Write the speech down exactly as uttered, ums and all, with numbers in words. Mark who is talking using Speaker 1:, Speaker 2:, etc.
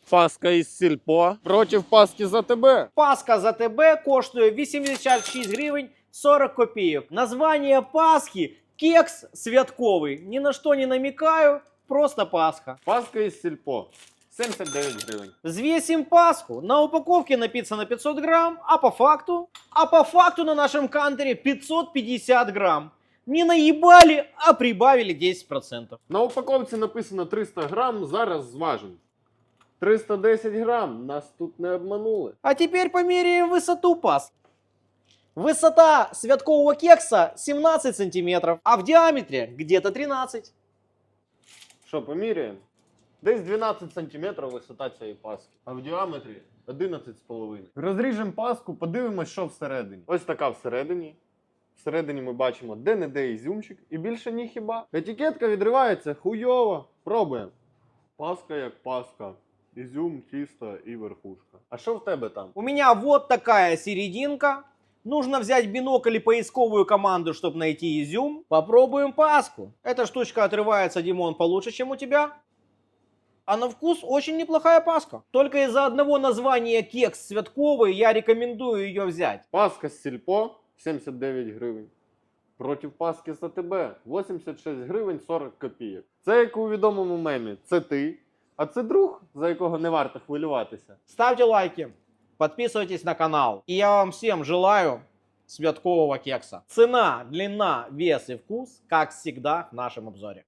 Speaker 1: Паска із сільпо проти паски за тебе.
Speaker 2: Паска за тебе коштує вісімдесят шість гривень сорок копійок. Название Пасхи кекс святковый. Ни на что не намекаю, просто Пасха.
Speaker 1: Паска із сільпо сімдесят дев'ять гривень.
Speaker 2: Взвесим Пасху. На упаковке написано пятьсот грамм, а по факту? А по факту на нашем кантере пятьсот пятьдесят грамм. Не наебали, а прибавили десять процентов.
Speaker 1: На упаковці написано триста грам, зараз зважимо. триста десять грам, нас тут не обманули.
Speaker 2: А теперь померяем высоту Пасхи. Высота святкового кекса семнадцать сантиметров, а в диаметре где-то тринадцать.
Speaker 1: Що, поміряємо? Десь дванадцять сантиметрів висота цієї паски, а в діаметрі одинадцять з половиною. Розріжемо паску, подивимось, що всередині. Ось така всередині. Всередині ми бачимо де-не-де ізюмчик і більше ні хіба. Етикетка відривається хуйово. Пробуємо. Паска як паска. Ізюм, тісто і верхушка. А що в тебе там?
Speaker 2: У меня вот такая серединка. Нужно взять бинокль и поисковую команду, чтобы найти изюм. Попробуем Пасху. Эта штучка отрывается, Димон, получше, чем у тебя. А на вкус очень неплохая Пасха. Только из-за одного названия кекс святковый я рекомендую ее взять.
Speaker 1: Паска з сільпо сімдесят дев'ять гривень. Проти паски за тебе вісімдесят шість гривень сорок копійок. Це як у відомому мемі. Це ти, а це друг, за якого не варто хвилюватися.
Speaker 2: Ставьте лайки, подписывайтесь на канал. И я вам всем желаю святкового кекса. Цена, длина, вес и вкус, как всегда в нашем обзоре.